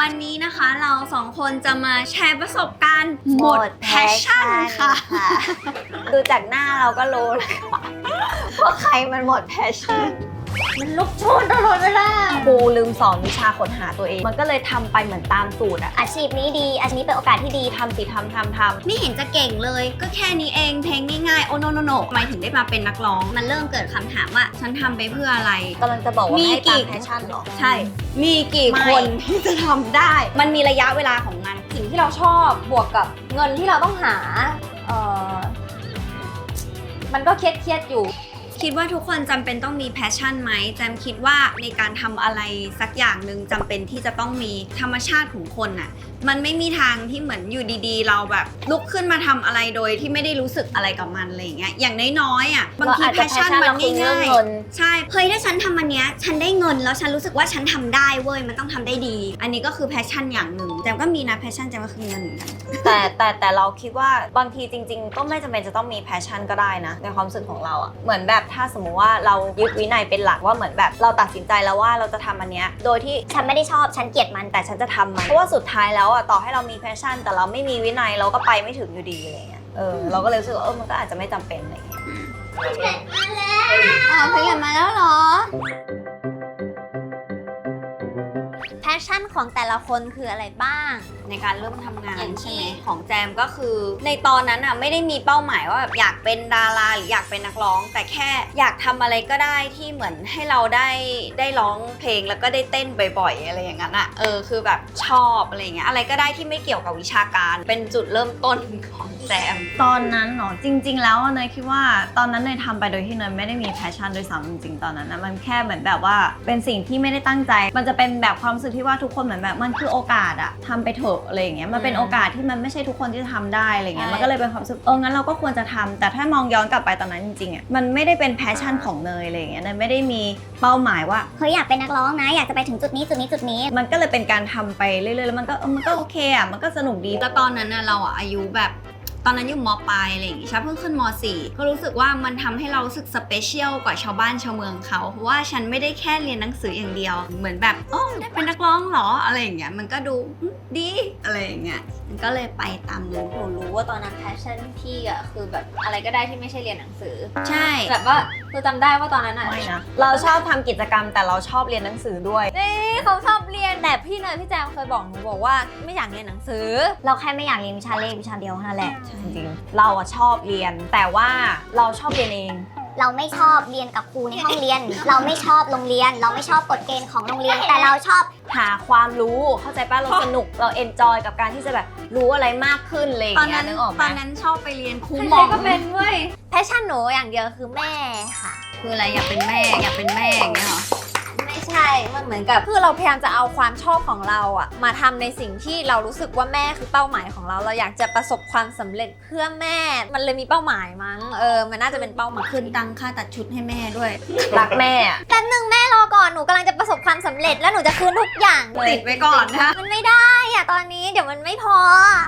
วันนี้นะคะเราสองคนจะมาแชร์ประสบการณ์หมดแพชชั่นค่ะดูจากหน้าเราก็รู้เลยค่ะว่าใครมันหมดแพชชั่นมันลุกโชนตลอดเวลาครูลืมสอนวิชาค้นหาตัวเอง มันก็เลยทำไปเหมือนตามสูตรอะอาชีพนี้ดีอาชีพนี้เป็นโอกาสที่ดีทำสิทำไม่เห็นจะเก่งเลยก็แค่นี้เองเพลงง่ายๆโอโนโนโนทำไมถึงได้มาเป็นนักร้องมันเริ่มเกิดคำถามว่าฉันทำไปเพื่ออะไรกำลังจะบอกว่ามีให้กี่ตามแพชชั่นเหรอใช่ มีกี่ไม่คนที่จะทำได้ มันมีระยะเวลาของมันสิ่งที่เราชอบบวกกับเงินที่เราต้องหามันก็เครียดอยู่คิดว่าทุกคนจำเป็นต้องมีแพชชั่นไหมแจมคิดว่าในการทำอะไรสักอย่างหนึ่งจำเป็นที่จะต้องมีธรรมชาติของคนน่ะมันไม่มีทางที่เหมือนอยู่ดีๆ เราแบบลุกขึ้นมาทำอะไรโดยที่ไม่ได้รู้สึกอะไรกับมันอะไรอย่างเงี้ยอย่างน้อยๆอ่ะบางทีเราอาจแพจะชชั่นมันเราคือเรื่ง่าองยเงินๆใช่เฮ้ยถ้าฉันทำอันเนี้ยฉันได้เงินแล้วฉันรู้สึกว่าฉันทำได้เว้ยมันต้องทำได้ดี อันนี้ก็คือแพชชั่นอย่างหนึ่งแจมก็มีนะแพชชั่นแจมก็คือเงินเหมือนกันแต่เราคิดว่าบางทีจริงๆ ก็ไม่จำเป็นจะต้องมีแพชชั่นก็ได้นะในความรู้สึกของเราอะเหมือนแบบถ้าสมมุติว่าเรายึดวินัยเป็นหลักว่าเหมือนแบบเราตัดสินใจแล้วว่าเราจะทำอันเนี้ยโดยที่ฉันไม่ได้ชอบฉันเกลียดมันแต่ฉันจะทำมันเพราะว่าสุดท้ายแล้วอะต่อให้เรามีแพชชั่นแต่เราไม่มีวินัยเราก็ไปไม่ถึงอยู่ดีอะไรเงี้ยเราก็เลยรู้สึกว่ามันก็อาจจะไม่จำเป็นอะไรเงี้ยเพลงมาแล้วเหรอแพชชั่นของแต่ละคนคืออะไรบ้างในการเริ่มทำงานอย่างที่ใช่ไหมของแจมก็คือ ในตอนนั้นอ่ะไม่ได้มีเป้าหมายว่าแบบอยากเป็นดาราหรืออยากเป็นนักร้อง แต่แค่อยากทำอะไรก็ได้ที่เหมือนให้เราได้ร้องเพลงแล้วก็ได้เต้นบ่อยๆอะไรอย่างนั้นอ่ะคือแบบชอบอะไรอย่างเงี้ยอะไรก็ได้ที่ไม่เกี่ยวกับวิชาการเป็นจุดเริ่มต้นของแจมตอนนั้นเนาะจริงๆแล้วเนยคิดว่าตอนนั้นเนยทำไปโดยที่เนยไม่ได้มีแพชชั่นด้วยซ้ำจริงๆตอนนั้นนะมันแค่เหมือนแบบว่าเป็นสิ่งที่ไม่ได้ตั้งใจ มันจะเป็นแบบความรู้สึกที่ว่าทุกคนเหมือนแบบมันคือโอกาสอะทำไปเถอะอะไรอย่างเงี้ยมันเป็นโอกาสที่มันไม่ใช่ทุกคนที่จะทำได้อะไรเงี้ยใช่มันก็เลยเป็นความรู้สึกงั้นเราก็ควรจะทำแต่ถ้ามองย้อนกลับไปตอนนั้นจริงๆอะมันไม่ได้เป็นแพชชั่นของเนยอะไรอย่างเงี้ยเนยไม่ได้มีเป้าหมายว่าเฮ้ยอยากเป็นนักร้องนะอยากจะไปถึงจุดนี้จุดนี้จุดนี้มันก็เลยเป็นการทำไปเรื่อยๆแล้วมันก็โอเคอะมันก็สนุกดีแล้วตอนนั้นน่ะเราอ่ะอายุแบบตอนนั้นอยู่ม.ปลายอะไรอย่างงี้ใช่เพิ่งขึ้นม.4 ก็รู้สึกว่ามันทำให้เรารู้สึกสเปเชียลกว่าชาวบ้านชาวเมืองเขาเพราะว่าฉันไม่ได้แค่เรียนหนังสืออย่างเดียวเหมือนแบบได้เป็นนักร้องเหรออะไรอย่างเงี้ยมันก็ดูดีอะไรอย่างเงี้ยมันก็เลยไปตามนั้นหนูรู้ว่าตอนนั้นแพชชั่นพี่อะคือแบบอะไรก็ได้ที่ไม่ใช่เรียนหนังสือใช่แบบว่าคือจำได้ว่าตอนนั้นอะไม่นะเราชอบทำกิจกรรมแต่เราชอบเรียนหนังสือด้วยนี่เขาชอบเรียนแต่พี่เนยพี่แจมเคยบอกหนูบอกว่าไม่อยากเรียนหนังสือเราแค่ไม่อยากเรียนวิชาเลขวิชาเดียวเท่านั้นแหละจริงๆเราอะชอบเรียนแต่ว่าเราชอบเรียนเองเราไม่ชอบเรียนกับครูในห้องเรียน เราไม่ชอบโรงเรียน เราไม่ชอบกฎเกณฑ์ของโรงเรียน แต่เราชอบหาความรู้เข้าใจป่ะเราสนุกเราเอนจอยกับการที่จะแบบรู้อะไรมากขึ้นอะไรอย่างตอนเงี้นั้ยนนึกออกไหตมอนนั้นชอบไปเรียนครูใคหมรอๆก็เป็นเว้ยแพชชั่นหนูอย่างเดียวคือแม่ค่ะคืออะไรอยากเป็นแม่อยากเป็นแม่อย่างเงี้ยเหรอไม่ใช่ มันเหมือนกับคือเราพยายามจะเอาความชอบของเราอะมาทำในสิ่งที่เรารู้สึกว่าแม่คือเป้าหมายของเรา เราอยากจะประสบความสำเร็จเพื่อแม่ มันเลยมีเป้าหมายมั้ง มันน่าจะเป็นเป้าหมายคืนตังค่าตัดชุดให้แม่ด้วยรักแม่อะแป๊บนึงแม่รอก่อน หนูกำลังจะประสบความสำเร็จแล้วหนูจะคืนทุกอย่างติดไว้ก่อนนะมันไม่ได้อะตอนนี้เดี๋ยวมันไม่พอ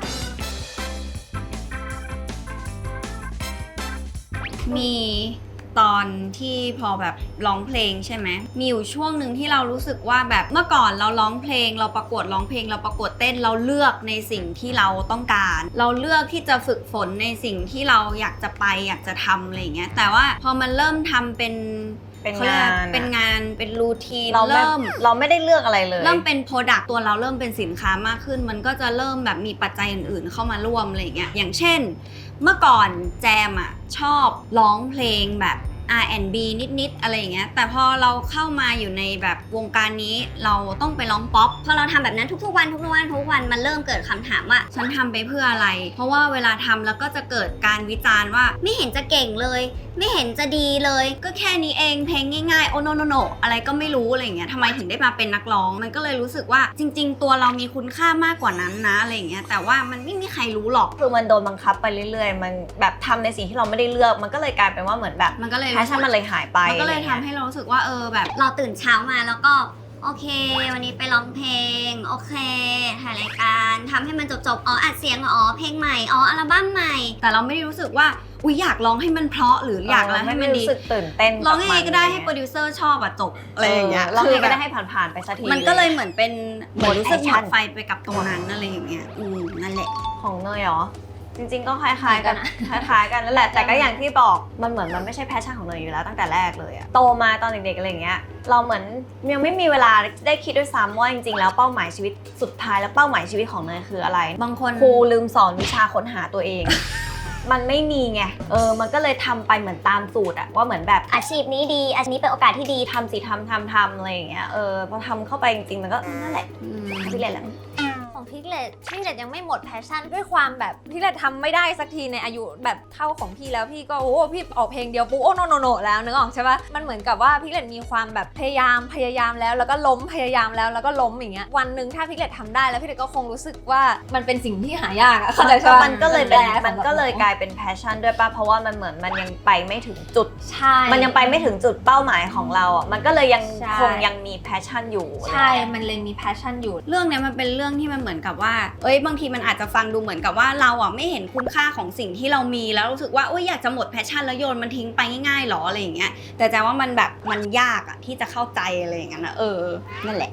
มีตอนที่พอแบบร้องเพลงใช่ไหมมีอยู่ช่วงหนึ่งที่เรารู้สึกว่าแบบเมื่อก่อนเราร้องเพลงเราประกวดร้องเพลงเราประกวดเต้นเราเลือกในสิ่งที่เราต้องการ เราเลือกที่จะฝึกฝนในสิ่งที่เราอยากจะไปอยากจะทำอะไรอย่างเงี้ยแต่ว่าพอมันเริ่มทำเป็นเป็นเขาเรียกงาอะไรนเป็นงานเป็นรูทีนเราไม่ เราไม่ได้เลือกอะไรเลยเริ่มเป็นโปรดักต์ตัวเราเริ่มเป็นสินค้ามากขึ้น มันก็จะเริ่มแบบมีปัจจัยอื่นๆเข้ามาร่วมอะไรอย่างเงี้ยอย่างเช่น เมื่อก่อนแจมอ่ะชอบร้องเพลงแบบ R&B นิดๆอะไรอย่างเงี้ยแต่พอเราเข้ามาอยู่ในแบบวงการนี้เราต้องไปร้องป๊อปพอเราทำแบบนั้นทุกๆวันมันเริ่มเกิดคำถามว่าฉันทำไปเพื่ออะไร เพราะว่าเวลาทำแล้วก็จะเกิดการวิจารณ์ว่าไม่เห็นจะเก่งเลย ไม่เห็นจะดีเลย ก็แค่นี้เองเพลงง่ายๆโอโนโนโนอะไรก็ไม่รู้อะไรอย่างเงี้ยทำไมถึงได้มาเป็นนักร้องมันก็เลยรู้สึกว่าจริง ๆ ตัวเรามีคุณค่ามากกว่านั้นนะอะไรอย่างเงี้ยแต่ว่ามันไม่มีใครรู้หรอกคือมันโดนบังคับไปเรื่อยๆ มันแบบทำในสิ่งที่เราไม่ได้เลือก มันก็เลยกลายเป็นว่าเหมือนแบบมันก็เลยแพชชั่นมันเลยหายไปมันก็เลยทำให้เรารู้สึกว่าแบบเราตื่นเช้ามาแล้วก็โอเค วันนี้ไปร้องเพลงโอเคถ่ายรายการทำให้มันจบๆอัดเสียงเพลงใหม่อัลบั้มใหม่แต่เราไม่ได้รู้สึกว่าอุ๊ยอยากร้องให้มันเพราะหรืออยากอะไรให้มันดีรู้สึกตื่นเต้นร้องยังไงก็ได้ให้โปรดิวเซอร์ชอบอะจบอะไรอย่างเงี้ยร้องยังไงก็ได้คือให้ผ่านๆไปสักทีแบบมันก็เลยเหมือนเป็นเหมือนรู้สึกหม action ดไฟไปกับตรงนั้นอะไรอย่างเงี้ยนั่นแหละของเนยเหรอ จริงๆก็คล้ายๆกันคล้ายๆกันนั่นแหละแต่ก็อย่างที่บอกมันเหมือนมันไม่ใช่แพชชั่นของเนยอยู่แล้วตั้งแต่แรกเลยอะโตมาตอนเด็กๆอะไรอย่างเงี้ยเราเหมือนยังไม่มีเวลาได้คิดด้วยซ้ำว่าจริงๆแล้วเป้าหมายชีวิตสุดท้ายแล้วเป้าหมายชีวิตของเนยคืออะไรบางคนครูลืมสอนวิชาค้นหาตัวเอง มันไม่มีไงมันก็เลยทำไปเหมือนตามสูตรอะว่าเหมือนแบบอาชีพนี้ดีอาชีพนี้เป็นโอกาสที่ดีทำสิทำอะไรอย่างเงี้ยพอทำเข้าไปจริงๆมันก็นั่นแหละพี่เล่นแหละของพิกเลตยังไม่หมดแพชชั่นด้วยความแบบพิกเลตทำไม่ได้สักทีในอายุแบบเท่าของพี่แล้วพี่ก็โอ้พี่ออกเพลงเดียวปุ๊บโอ้โนแล้วนึกออกใช่ปะมันเหมือนกับว่าพิกเลตมีความแบบพยายามแล้วก็ล้มพยายามแล้วก็ล้มอย่างเงี้ยวันหนึ่งถ้าพิกเลตทำได้แล้วพิกเลตก็คงรู้สึกว่ามันเป็นสิ่งที่หายากอะเข้าใจใช่ปะมันก็เลยกลายเป็นแพชชั่นด้วยป่ะเพราะว่ามันเหมือนมันยังไปไม่ถึงจุดใช่มันยังไปไม่ถึงจุดเป้าหมายของเราอ่ะมันก็เลยยังใช่คงยังมีแพชชั่นอยู่ใช่มันเลยมีแพชชั่นอยู่เรื่องเนี้ยมันเป็นเรื่องที่มันเหมือนกับว่าบางทีมันอาจจะฟังดูเหมือนกับว่าเราอ่ะไม่เห็นคุณค่าของสิ่งที่เรามีแล้วรู้สึกว่าอยากจะหมดแพชชั่นแล้วโยนมันทิ้งไปง่ายๆหรออะไรอย่างเงี้ยแต่แจว่ามันแบบมันยากอ่ะที่จะเข้าใจอะไรอย่างเงี้ยนะนั่นแหละ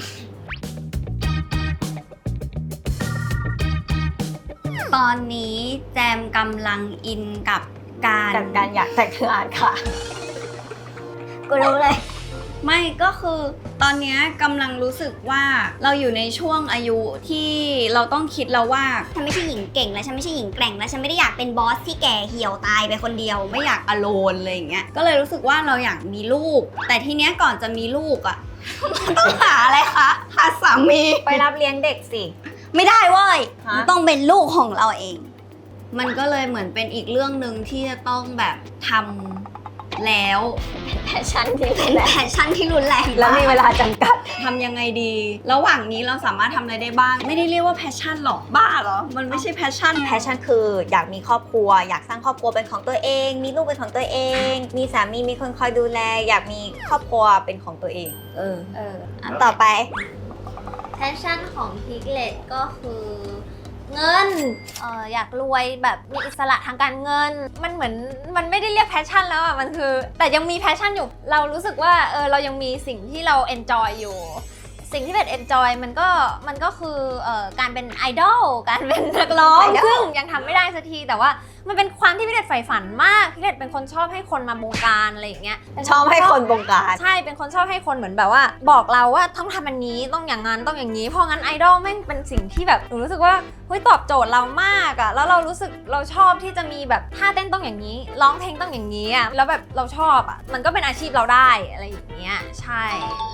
ตอนนี้แจมกำลังอินกับการอยากแต่งงานค่ะกูรู้เลยไม่ก็คือตอนเนี้ยกำลังรู้สึกว่าเราอยู่ในช่วงอายุที่เราต้องคิดแล้วว่าฉันไม่ใช่หญิงเก่งและฉันไม่ใช่หญิงแกร่งและฉันไม่ได้อยากเป็นบอสที่แก่เหี่ยวตายไปคนเดียวไม่อยากอโลนอะไรอย่างเงี้ยก็เลยรู้สึกว่าเราอยากมีลูก แต่ทีเนี้ยก่อนจะมีลูกอ่ะ มันต้องหาอะไรคะหาสามีไปรับเลี้ยงเด็กสิไม่ได้เว้ยฮะมันต้องเป็นลูกของเราเอง มันก็เลยเหมือนเป็นอีกเรื่องหนึ่งที่จะต้องแบบทำแล้วแพชชั่นที่เป็นแพชชั่นที่รุนแรงแล้วมีเวลาจำกัดทำยังไงดี ระหว่างนี้เราสามารถทำอะไรได้บ้าง ไม่ได้เรียกว่าแพชชั่นหรอกบ้าเหรอ มันไม่ใช่แพชชั่นแพชชั่นคืออยากมีครอบครัว อยากสร้างครอบครัวเป็นของตัวเอง มีลูกเป็นของตัวเอง มีสามีมีคนคอยดูแล อยากมีครอบครัวเป็นของตัวเองอันต่อไปแพชชั่นของพิกเลตก็คือเงินอยากรวยแบบมีอิสระทางการเงินมันเหมือนมันไม่ได้เรียกแพชชั่นแล้วอ่ะมันคือแต่ยังมีแพชชั่นอยู่เรารู้สึกว่าเรายังมีสิ่งที่เราเอนจอยอยู่สิ่งที่เป็นเอนจอยมันก็คือการเป็นไอดอลการเป็นนักร้องซึ่งยังทำไม่ได้สักทีแต่ว่ามันเป็นความที่พี่เด็ดใฝ่ฝันมากพี่เด็ดเป็นคนชอบให้คนมาบงการอะไรอย่างเงี้ยชอบให้คนบงการใช่เป็นคนชอบให้คนเหมือนแบบว่าบอกเราว่าต้องทำอันนี้ต้องอย่างนั้นต้องอย่างนี้เพราะงั้นไอดอลแม่งเป็นสิ่งที่แบบหนูรู้สึกว่าเฮ้ยตอบโจทย์เรามากอะแล้วเรารู้สึกเราชอบที่จะมีแบบท่าเต้นต้องอย่างนี้ร้องเพลงต้องอย่างนี้อะแล้วแบบเราชอบอะมันก็เป็นอาชีพเราได้อะไรอย่างเงี้ยใช่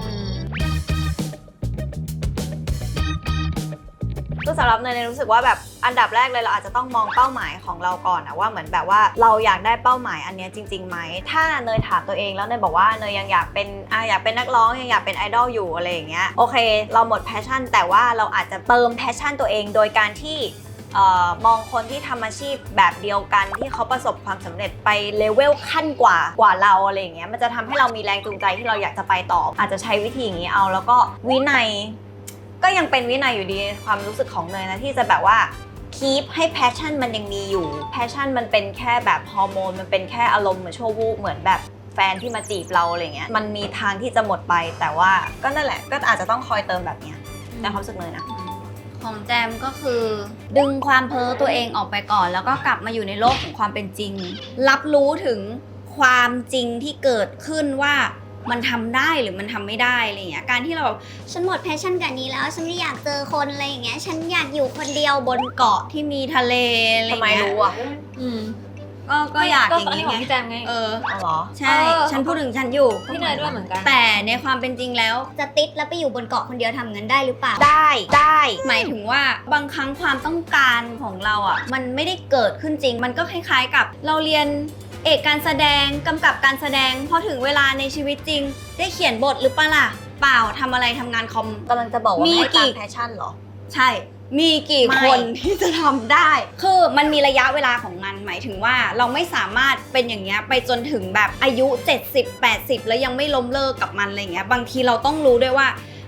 คือสำหรับเนยรู้สึกว่าแบบอันดับแรกเลยเราอาจจะต้องมองเป้าหมายของเราก่อนนะว่าเหมือนแบบว่าเราอยากได้เป้าหมายอันเนี้ยจริงๆไหมถ้าเนยถามตัวเองแล้วเนยบอกว่าเนยยังอยากเป็นนักร้องยังอยากเป็นไอดอลอยู่อะไรอย่างเงี้ยโอเคเราหมดแพชชั่นแต่ว่าเราอาจจะเติมแพชชั่นตัวเองโดยการที่มองคนที่ทำอาชีพแบบเดียวกันที่เขาประสบความสำเร็จไปเลเวลขั้นกว่าเราอะไรอย่างเงี้ยมันจะทำให้เรามีแรงจูงใจที่เราอยากจะไปต่ออาจจะใช้วิธีอย่างนี้เอาแล้วก็วินัยก็ยังเป็นวินัยอยู่ดีความรู้สึกของเนยนะที่จะแบบว่าคีปให้แพชชั่นมันยังมีอยู่แพชชั่นมันเป็นแค่แบบฮอร์โมนมันเป็นแค่อารมณ์เหมือนชั่ววูบเหมือนแบบแฟนที่มาจีบเราอะไรเงี้ยมันมีทางที่จะหมดไปแต่ว่าก็นั่นแหละก็อาจจะต้องคอยเติมแบบเนี้ยในความรู้สึกเนยนะของแจมก็คือดึงความเพ้อตัวเองออกไปก่อน แล้วก็กลับมาอยู่ในโลกของความเป็นจริง รับรู้ถึงความจริงที่เกิดขึ้นว่ามันทำได้หรือมันทำไม่ได้อะไรอย่างเงี้ยการที่เราแบบฉันหมดแพชชั่นกับนี้แล้วฉันไม่อยากเจอคนอะไรอย่างเงี้ยฉันอยากอยู่คนเดียวบนเกาะที่มีทะเลอะไรอทำย่างไมเงี้ยรู้อ่ะก็อยากอย่างนี้นี้ของไงพี่แจมไงอ๋อเหรอใช่ฉันพูดถึงฉันอยู่พี่เนยด้วยเหมือนกันแต่ในความเป็นจริงแล้วจะติดแล้วไปอยู่บนเกาะคนเดียวทำเงินได้หรือเปล่าได้หมายถึงว่าบางครั้งความต้องการของเราอ่ะมันไม่ได้เกิดขึ้นจริง มันก็คล้ายๆกับเราเรียนเอกการแสดงกำกับการแสดงพอถึงเวลาในชีวิตจริง ได้เขียนบทหรือเปล่าล่ะเปล่าทำอะไรทำงานคอมกำลังจะบอกว่ามีไม่กี่ตามแพชชั่นเหรอใช่ มีกี่ไม่คนที่จะทำได้ คือมันมีระยะเวลาของมันหมายถึงว่าเราไม่สามารถเป็นอย่างเงี้ยไปจนถึงแบบอายุ70-80แล้วยังไม่ล้มเลิกกับมันอะไรเงี้ยบางทีเราต้องรู้ด้วยว่า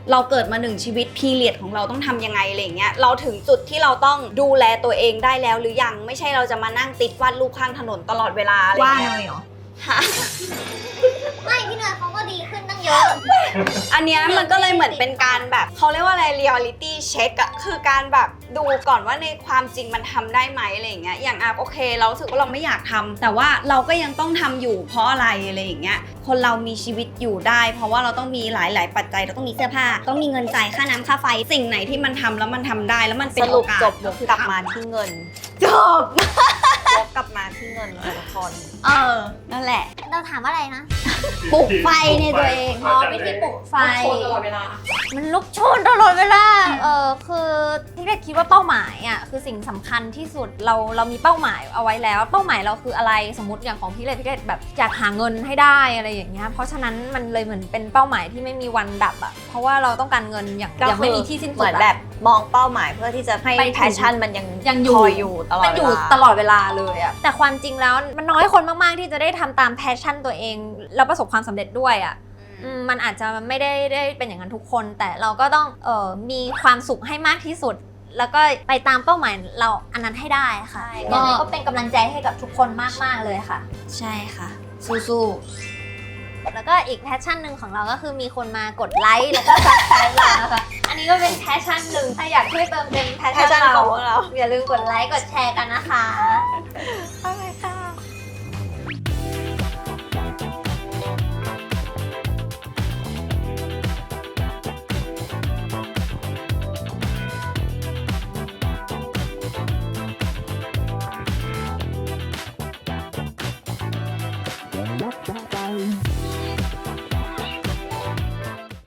เราเกิดมา1ชีวิตพีเรียดของเราต้องทำยังไงอะไรอย่างเงี้ยเราถึงจุดที่เราต้องดูแลตัวเองได้แล้วหรือยังไม่ใช่เราจะมานั่งติดวาดรูปข้างถนนตลอดเวลาอะไรว่าเงี้ยเลยเหรอไม่พี่เนยเขาก็ดีขึ้นตั้งเยอะอันเนี้ยมันก็เลยเหมือนเป็นการแบบเขาเรียกว่าอะไร reality check อะคือการแบบดูก่อนว่าในความจริงมันทำได้ไหมอะไรอย่างเงี้ยอย่างโอเคเรารู้สึกว่าเราไม่อยากทำแต่ว่าเราก็ยังต้องทำอยู่เพราะอะไรอะไรอย่างเงี้ยคนเรามีชีวิตอยู่ได้ เพราะว่าเราต้องมีหลายๆปัจจัยเราต้องมีเสื้อผ้าต้องมีเงินจ่ายค่าน้ำค่าไฟสิ่งไหนที่มันทำแล้วมันทำได้แล้วมันเป็นสโอรุปกาสจบกลับมาที่เงินจบวกกลับมาที่เงินเลยทุกคนนั่นแหละเราถามว่าอะไรนะปลุกไฟในตัวเองอ๋อวิธีปลุกไฟตลอดเวลามันลุกโชนตลอดเวลา คือพี่เกดคิดว่าเป้าหมายอ่ะคือสิ่งสำคัญที่สุดเรามีเป้าหมายเอาไว้แล้ว เป้าหมายเราคืออะไรสมมติอย่างของพี่เกดแบบอยากหาเงินให้ได้อะไรอย่างเงี้ยเพราะฉะนั้นมันเลยเหมือนเป็นเป้าหมายที่ไม่มีวันดับอ่ะเพราะว่าเราต้องการเงินอย่างไม่มีที่สิ้นสุดเหมือนแบบมองเป้าหมายเพื่อที่จะให้ไปถึงแพชชั่นมันยังอยู่คอยอยู่ตลอดมันอยู่เวลาตลอดเวลาเลยอะแต่ความจริงแล้วมันน้อยคนมากๆที่จะได้ทำตามแพชชั่นตัวเองแล้วประสบความสำเร็จด้วยอะมันอาจจะไม่ได้เป็นอย่างนั้นทุกคน แต่เราก็ต้องมีความสุขให้มากที่สุด แล้วก็ไปตามเป้าหมายเราอันนั้นให้ได้ค่ะยังไงก็เป็นกำลังใจให้กับทุกคนมากๆเลยค่ะใช่ค่ะ สู้แล้วก็อีกแพชชั่นหนึ่งของเราก็คือมีคนมากดไลค์แล้วก็ซับสไครต์เรานะคะอันนี้ก็เป็นแพชชั่นหนึ่งถ้าอยากช่วยเติมเต็มแพชชั่น passion เราของพวกเราอย่าลืมกดไลค์กดแชร์กันนะคะ